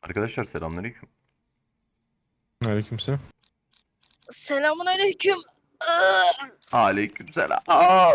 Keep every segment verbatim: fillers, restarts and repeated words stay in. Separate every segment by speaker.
Speaker 1: Arkadaşlar selamünaleyküm.
Speaker 2: Aleykümselam.
Speaker 3: Selamun aleyküm.
Speaker 1: Aleykümselam. Aa!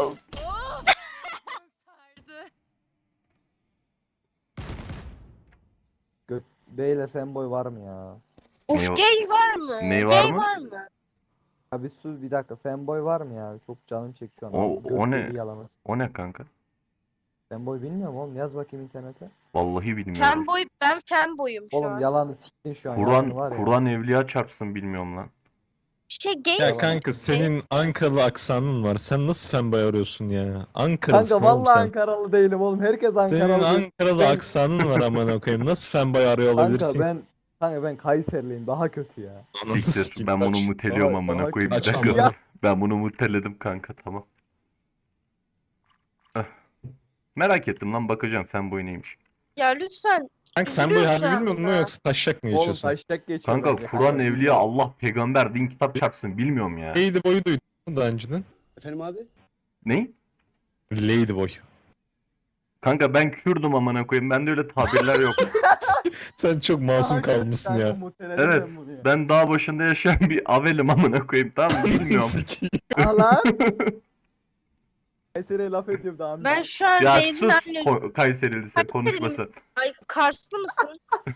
Speaker 4: Gö Beyler fanboy var mı ya?
Speaker 3: Of
Speaker 1: Ne-
Speaker 3: gay var mı?
Speaker 1: ne var
Speaker 3: Gay
Speaker 1: mı?
Speaker 3: var mı?
Speaker 4: Abi sus bir dakika, fanboy var mı ya? Çok canım çekti şu an.
Speaker 1: O-
Speaker 4: Abi,
Speaker 1: o
Speaker 4: göt
Speaker 1: ne?
Speaker 4: deliği yalaması.
Speaker 1: O ne kanka?
Speaker 4: Fanboy bilmiyorum oğlum, yaz bakayım internete.
Speaker 1: Vallahi bilmiyorum.
Speaker 3: Fanboy, ben fanboyum şu
Speaker 4: Oğlum
Speaker 3: an.
Speaker 4: yalanı siktin şu an. yalanı var
Speaker 1: Kur'an
Speaker 4: ya.
Speaker 1: Kur'an evliya çarpsın bilmiyorum lan.
Speaker 3: Şey gay
Speaker 2: Ya
Speaker 3: misin?
Speaker 2: kanka senin Ankaralı aksanın var. Sen nasıl fanboy arıyorsun ya? Ankaralısın
Speaker 4: Kanka
Speaker 2: oğlum
Speaker 4: vallahi
Speaker 2: sen.
Speaker 4: Ankaralı değilim oğlum. Herkes
Speaker 2: Senin
Speaker 4: Ankaralı.
Speaker 2: Ankaralı
Speaker 4: Ben-
Speaker 2: aksanın var amına koyayım. Nasıl fanboy arıyor
Speaker 4: Kanka
Speaker 2: olabilirsin?
Speaker 4: ben Kanka ben Kayserliyim, daha kötü ya.
Speaker 2: Ananı
Speaker 1: Siktir.
Speaker 2: sikeyim,
Speaker 1: Ben bunu
Speaker 2: kaç.
Speaker 1: muteliyorum
Speaker 4: Daha-
Speaker 1: amına
Speaker 4: daha
Speaker 1: koyayım bir
Speaker 2: kaç
Speaker 1: dakika.
Speaker 2: amına.
Speaker 1: Ben bunu muteledim kanka, tamam. Eh. Merak ettim lan, bakacağım fanboy neymiş.
Speaker 3: Ya lütfen.
Speaker 2: Kanka fanboy
Speaker 3: Üzülüyor
Speaker 2: harbi
Speaker 3: şu
Speaker 2: bilmiyor musun
Speaker 3: anda.
Speaker 2: yoksa taşak mı
Speaker 4: Oğlum
Speaker 2: geçiyorsun?
Speaker 4: taşak geçiyor.
Speaker 1: Kanka
Speaker 4: bence.
Speaker 1: Kur'an
Speaker 4: Kanka,
Speaker 1: evliya
Speaker 4: bilmiyorum.
Speaker 1: Allah peygamber din kitap çarpsın bilmiyorum ya.
Speaker 2: Ladyboy'u duydun mu daha önceden?
Speaker 5: Efendim abi?
Speaker 1: Ne?
Speaker 2: Ladyboy.
Speaker 1: Kanka ben Kürdüm amına koyayım. Bende öyle tabirler yok.
Speaker 2: Sen çok masum
Speaker 4: Kanka,
Speaker 2: kalmışsın
Speaker 4: kanka,
Speaker 2: ya.
Speaker 4: muteledim
Speaker 1: Evet.
Speaker 4: ben bunu ya.
Speaker 1: Ben dağ başında yaşayan bir avelim amına koyayım, tamam mı? Bilmiyorum.
Speaker 2: Sikeyim.
Speaker 4: Aa lan. Kayseri'ye laf ediyorum daha önce.
Speaker 3: Ben şu an
Speaker 1: Ya
Speaker 3: Beyz'in
Speaker 1: sus
Speaker 3: anne...
Speaker 1: Ko- Kayserili sen,
Speaker 3: Kayserili-
Speaker 1: konuşmasın.
Speaker 3: Ay Karslı mısın?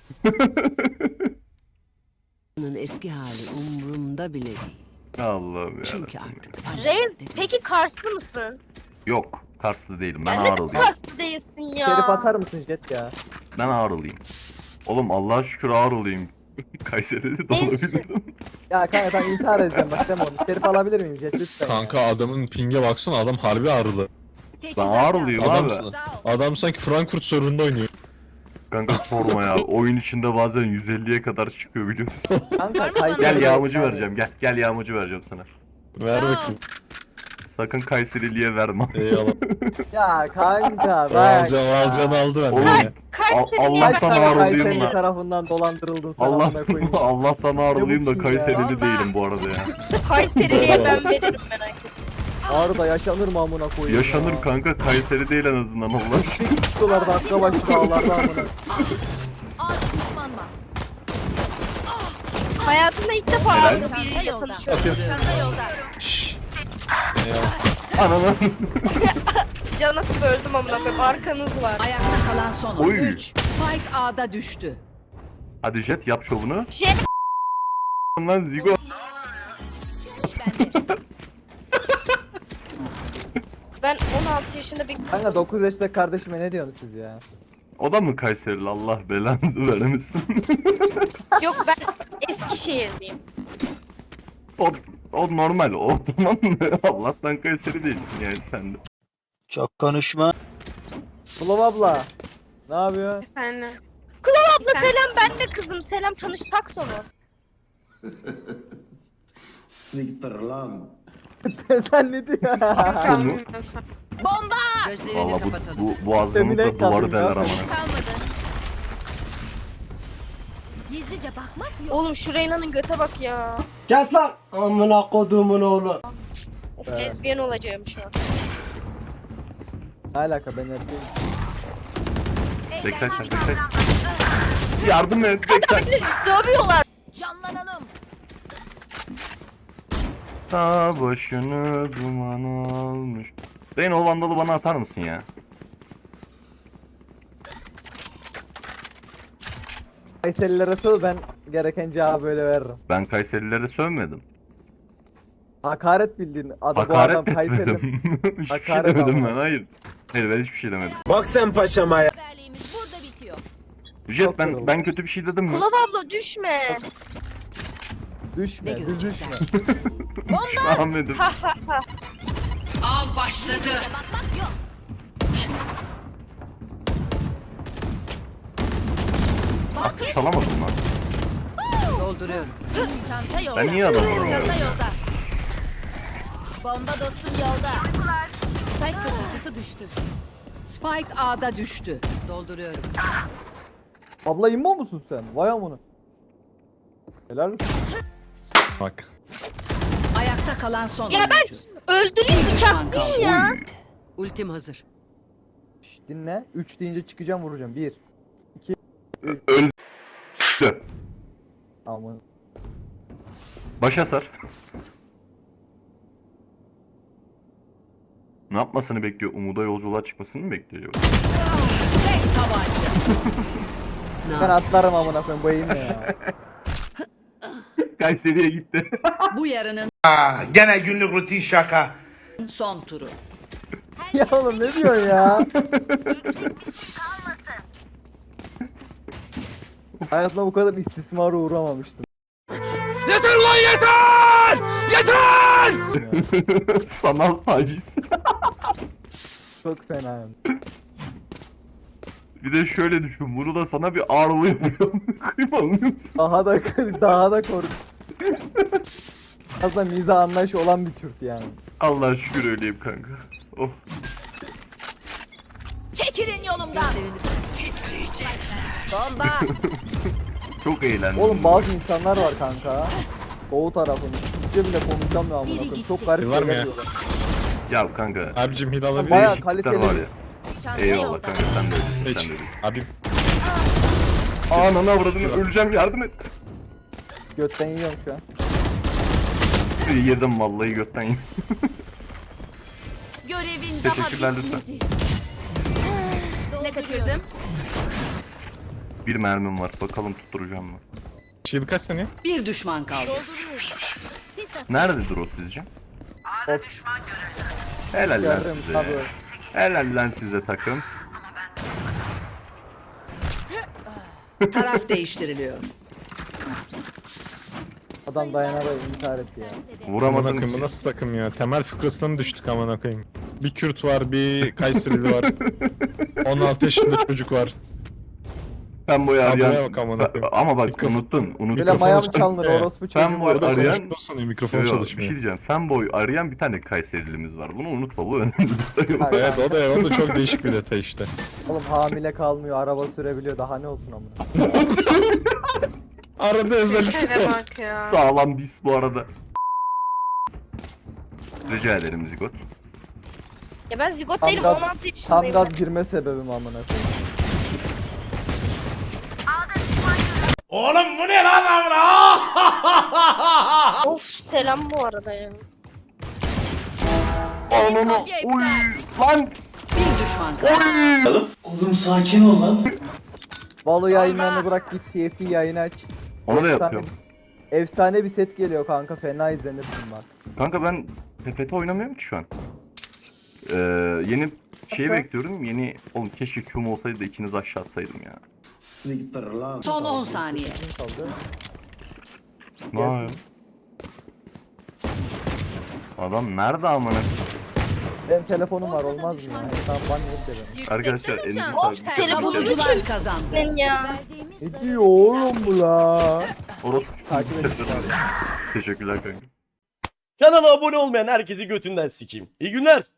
Speaker 6: Onun eski hali umurumda bile değil.
Speaker 1: Allah'ım ya.
Speaker 6: Çünkü artık
Speaker 3: Reis, peki Karslı mısın?
Speaker 1: Yok, Karslı değilim. Ben
Speaker 3: Ya neden
Speaker 1: Ağrılıyım.
Speaker 3: Karslı değilsin ya?
Speaker 4: Şerif atar mısın Jet ya?
Speaker 1: Ben Ağrılıyım. Oğlum Allah'a şükür Ağrılıyım. Kayseri'de de
Speaker 3: Neyse.
Speaker 1: olabilirdim.
Speaker 4: Ya kanka ben intihar edeceğim bak, deme onu. Şerif alabilir miyim Jet lütfen?
Speaker 2: Kanka adamın pinge baksana, adam harbi ağrılı.
Speaker 1: Ben Ağrılıyım abi.
Speaker 2: Adamsın. Adam sanki Frankfurt sorununda oynuyor.
Speaker 1: Kanka sorma ya. Oyun içinde bazen yüz elliye kadar çıkıyor biliyor musun?
Speaker 4: Kanka Kayseri.
Speaker 1: Gel yağmacı vereceğim. Gel gel yağmacı vereceğim sana.
Speaker 2: Ver bakayım.
Speaker 1: Sakın Kayserili'ye verme.
Speaker 2: Eyvallah.
Speaker 4: Ya kanka bak.
Speaker 2: Alcan alcan aldı benden
Speaker 1: Oğlum,
Speaker 2: ya.
Speaker 3: Kayseri'ye
Speaker 1: Allah'tan
Speaker 3: bak.
Speaker 4: Kayseri
Speaker 1: Ağrılıyım
Speaker 4: Kayseri
Speaker 1: da.
Speaker 4: tarafından dolandırıldın sen
Speaker 1: Allah
Speaker 4: amına koyayım.
Speaker 1: Allah'tan Ağrılıyım da
Speaker 4: Ne bu ki
Speaker 1: Kayserili
Speaker 4: ya?
Speaker 1: değilim bu arada ya.
Speaker 3: Kayseri'ye ben veririm merak etme.
Speaker 4: Ağrı'da yaşanır mı amına koyayım
Speaker 1: Yaşanır
Speaker 4: ya?
Speaker 1: kanka, Kayseri değil en azından Allah aşkına.
Speaker 4: Çıktılar dakika başı dağlarda amına.
Speaker 3: Hayatımda ilk defa
Speaker 1: Helal.
Speaker 3: Ağrı'da biriyle tanışıyorum.
Speaker 2: Şşş. Eyvallah.
Speaker 1: Ananı.
Speaker 3: Canı böldüm amına koyayım. Arkanız var.
Speaker 6: Ayakta kalan son
Speaker 1: Oy.
Speaker 6: oyuncu. Spike A'da düştü.
Speaker 1: Hadi Jet yap şovunu.
Speaker 3: Jet
Speaker 1: Lan Zigo.
Speaker 3: ben on altı yaşında bir
Speaker 4: Kanka dokuz yaşında kardeşime ne diyorsunuz siz ya?
Speaker 1: O da mı Kayserili, Allah belanızı vermesin.
Speaker 3: yok ben Eskişehirliyim.
Speaker 1: o, o normal o, tamam mı? Allah'tan Kayseri değilsin yani sen de.
Speaker 5: Çok konuşma.
Speaker 4: Bulam abla. Ne yapıyor?
Speaker 3: Efendim. Kulağım abla selam, ben de kızım. Selam, tanışsak sonra.
Speaker 5: Siktir lan.
Speaker 4: Sen ne diyorsun?
Speaker 1: Sonu.
Speaker 6: Gözlerini
Speaker 1: Valla bu,
Speaker 6: kapatalım.
Speaker 1: bu, bu azgınlıkla
Speaker 4: Emine
Speaker 1: duvarı
Speaker 4: kaldım
Speaker 1: deler
Speaker 4: ya.
Speaker 1: ama.
Speaker 7: Gizlice bakmak yok.
Speaker 3: Oğlum şu Reyna'nın göte bak ya.
Speaker 5: Kes lan. Amına kodumun oğlu.
Speaker 3: Of
Speaker 4: Evet.
Speaker 3: lezbiyen olacağım şu an.
Speaker 4: Ne alaka, ben erkeğim.
Speaker 1: Backside sen backside. Yardım et backside.
Speaker 3: Dövüyorlar.
Speaker 7: Canlanalım.
Speaker 1: Ta başını duman almış. Reyn o vandalı bana atar mısın ya?
Speaker 4: Kayserililere sor, ben gereken cevabı böyle veririm.
Speaker 1: Ben Kayserililere sövmedim.
Speaker 4: Hakaret bildiğin adı bu
Speaker 1: Hakaret
Speaker 4: adam Kayserili.
Speaker 1: etmedim. Hiçbir şey
Speaker 4: Hakaret
Speaker 1: demedim
Speaker 4: ama.
Speaker 1: ben, hayır. Hayır ben hiçbir şey demedim.
Speaker 5: Bak sen paşama ya.
Speaker 7: Haberliğimiz burada bitiyor.
Speaker 1: Jet
Speaker 4: Çok
Speaker 1: ben
Speaker 4: yoruldu.
Speaker 1: ben kötü bir şey dedim mi?
Speaker 3: Kulağım abla düşme.
Speaker 4: Düşme,
Speaker 6: Ne
Speaker 4: düz düşme.
Speaker 1: Düşme Ahmet'im.
Speaker 6: Av başladı.
Speaker 7: Bakmak yok.
Speaker 1: Aslında çalamadım lan.
Speaker 6: Dolduruyorum.
Speaker 7: Çanta yolda.
Speaker 1: Ben niye adam vuramıyorum?
Speaker 7: Çanta yolda. Bomba dostum yolda. Spike taşıyıcısı düştü.
Speaker 6: Spike A'da düştü. Dolduruyorum.
Speaker 4: Abla immo musun sen? Vay amına. Helal olsun.
Speaker 2: Bak.
Speaker 6: Ayakta kalan son
Speaker 3: Ya ben
Speaker 6: oyuncu.
Speaker 3: öldüreyim,
Speaker 6: düşman
Speaker 3: bıçaklayayım ya.
Speaker 6: Ultim hazır.
Speaker 4: Şş, dinle. üç deyince çıkacağım, vuracağım. bir.
Speaker 1: Öl. Dö.
Speaker 4: Aman.
Speaker 1: Başa sar. Ne yapmasını bekliyor? Umut'a yolculuğa çıkmasını mı bekliyor? acaba?
Speaker 4: Ben atlarım amına koyayım bu eğim ne ya.
Speaker 1: Kayseri'ye gitti.
Speaker 6: Bu yarının
Speaker 5: Gene günlük rutin şaka.
Speaker 6: son turu.
Speaker 4: Ya oğlum ne diyorsun ya? Hayatımda bu kadar istismara uğramamıştım.
Speaker 1: Sanal taciz.
Speaker 4: Çok fena.
Speaker 1: Bir de şöyle düşün. Bunu da sana bir ağırlığı yapıyor. Kıymamıyor musun?
Speaker 4: Daha da daha da kork. Aslında mizah anlayışı olan bir Kürt yani.
Speaker 1: Allah'a şükür öyleyim kanka. Of.
Speaker 7: Çekilin yolumdan. Bomba.
Speaker 1: Çok eğlendim.
Speaker 4: Oğlum bazı insanlar var kanka. Doğu tarafının. Türkçe bile konuşamıyor amına koyayım. Çok garip
Speaker 2: Var mı
Speaker 4: şeyler
Speaker 2: ya?
Speaker 4: diyorlar.
Speaker 1: Ya kanka.
Speaker 2: Abicim hil alabilir
Speaker 4: Bayağı
Speaker 2: miyim?
Speaker 1: Değişiklikler
Speaker 4: kaliteli.
Speaker 1: var ya.
Speaker 7: Çanta
Speaker 1: Eyvallah
Speaker 7: yolda.
Speaker 1: kanka sen de öylesin.
Speaker 2: Hiç.
Speaker 1: Sen de öylesin.
Speaker 2: Abi
Speaker 1: Ananı avradını öleceğim yardım et.
Speaker 4: Götten yiyorum şu an.
Speaker 1: Yedim vallahi götten yedim.
Speaker 7: Görevin daha
Speaker 1: Teşekkürler lütfen.
Speaker 7: bitmedi. Ne kaçırdım?
Speaker 1: Bir mermim var. Bakalım tutturacağım mı?
Speaker 2: shield kaç saniye?
Speaker 6: Bir düşman kaldı.
Speaker 7: Sis at.
Speaker 1: Nerededir o sizce?
Speaker 4: Of.
Speaker 1: Helal lan
Speaker 4: Yardım
Speaker 1: size.
Speaker 4: tabii.
Speaker 1: Helal lan size takım.
Speaker 6: Taraf değiştiriliyor.
Speaker 4: Adam dayanarak intihar etti ya.
Speaker 2: Amına
Speaker 1: Vuramadım.
Speaker 2: koyayım bu nasıl takım ya? Temel fıkrasına mı düştük amına koyayım? Bir Kürt var, bir Kayserili var. on altı yaşında çocuk var.
Speaker 1: Fanboy
Speaker 2: Tabloya
Speaker 1: arayan.
Speaker 2: bak amına koyayım.
Speaker 1: Ama bak
Speaker 2: Mikrofon-
Speaker 1: unuttun. Unuttun.
Speaker 4: Böyle
Speaker 2: Mikrofonu
Speaker 4: maya mı
Speaker 2: çalın-
Speaker 4: çalınır
Speaker 2: Evet.
Speaker 4: orospu
Speaker 1: Ben
Speaker 4: çocuğu
Speaker 1: bu
Speaker 4: var.
Speaker 1: arada- Arayan-
Speaker 2: Konuştuktan sonra mikrofon
Speaker 1: Yo, yo, bir
Speaker 2: çalışmıyor.
Speaker 1: şey diyeceğim. Fanboy arayan bir tane Kayserilimiz var. Bunu unutma bu önemli.
Speaker 4: Hayır.
Speaker 2: Evet o da o da çok değişik bir detay işte.
Speaker 4: Oğlum hamile kalmıyor, araba sürebiliyor. Daha ne olsun amına.
Speaker 2: Arada özellikle.
Speaker 3: Şöyle bak ya.
Speaker 1: Sağlam dis bu arada. Rica ederim Zigot.
Speaker 3: Ya ben zigot
Speaker 4: Tam
Speaker 3: değilim
Speaker 4: gaz-
Speaker 3: on altı
Speaker 4: Tam
Speaker 3: yaşındayım.
Speaker 4: gaz girme sebebim amına koyayım.
Speaker 5: Oğlum bu ne lan amına?
Speaker 3: Of selam bu arada ya.
Speaker 1: Ananı
Speaker 7: kopya iptal.
Speaker 1: oy lan
Speaker 6: Bir düşman kaldı.
Speaker 5: Oğlum sakin ol lan.
Speaker 4: Valo yayınlarını bırak git T F T yayını aç.
Speaker 1: onu da
Speaker 4: Efsane
Speaker 1: yapıyorum.
Speaker 4: bir- Efsane bir set geliyor kanka, fena izlenir bunlar.
Speaker 1: Kanka ben T F T oynamıyorum ki şu an. Ee, yeni şeyi
Speaker 4: Nasıl?
Speaker 1: bekliyorum. Yeni oğlum keşke Q'm olsaydı da ikiniz aşağı atsaydım ya.
Speaker 5: Siktir lan.
Speaker 6: Son on saniye.
Speaker 4: Kim kaldı?
Speaker 1: Ne yapıyor? Adam nerede amına?
Speaker 4: Benim telefonum var,
Speaker 7: Ortada
Speaker 4: olmaz mı
Speaker 7: düşman
Speaker 4: ya?
Speaker 7: görüldü.
Speaker 4: Tamam ban yedi de benim.
Speaker 1: Arkadaşlar elinize
Speaker 7: uçan.
Speaker 1: sağlık.
Speaker 3: Of, telefonum-
Speaker 6: Savunucular kazandı.
Speaker 3: Ben ya.
Speaker 4: Ne diyor oğlum bu la?
Speaker 1: Orospu.
Speaker 4: Takip edin.
Speaker 1: Teşekkürler kanka.
Speaker 8: Kanala abone olmayan herkesi götünden sikeyim. İyi günler.